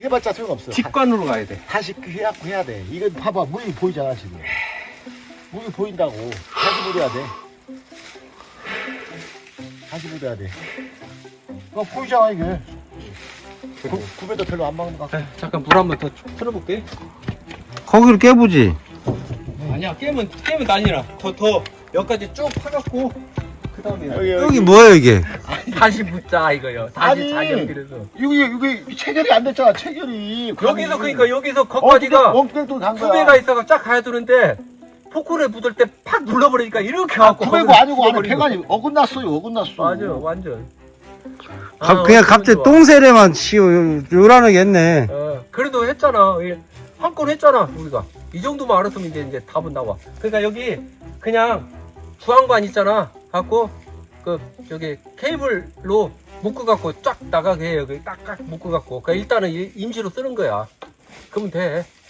해봤자 소용없어. 직관으로 가야 돼. 다시 해갖고 해야 돼. 이거 봐봐, 물이 보이잖아 지금. 물이 보인다고. 다시 물어야 돼. 다시 물어야 돼. 이거 보이잖아 이게. 굽에도 별로 안 막는 것 같아. 잠깐 물 한번 더 틀어볼게. 거기를 깨보지. 아니야, 깨면 아니라 더 여기까지 쭉 파갖고 그 다음에 여기 뭐야 이게? 다시 묻자 이거요. 다시 아니, 자기 연필해서. 여기 체결이 안 됐잖아 체결이. 여기서 그러니까 여기서 거기까지가 엉뚱도 간 거야. 구배가 있어서 쫙 가야 되는데 포크레 묻을 때 팍 눌러버리니까 이렇게 갖고 구배고 아니고 안에 배관이 어긋났어요 어긋났어. 맞아, 완전. 그냥 갑자기 좋아. 똥세례만 요란하겠네. 그래도 했잖아. 한 건 했잖아 우리가. 이 정도만 알았으면 이제 답은 나와. 그러니까 여기 그냥 주황관 있잖아. 갖고 그 여기 케이블로 묶어 갖고 쫙 나가게 해. 여기 딱딱 묶어 갖고. 그러니까 일단은 임시로 쓰는 거야. 그러면 돼.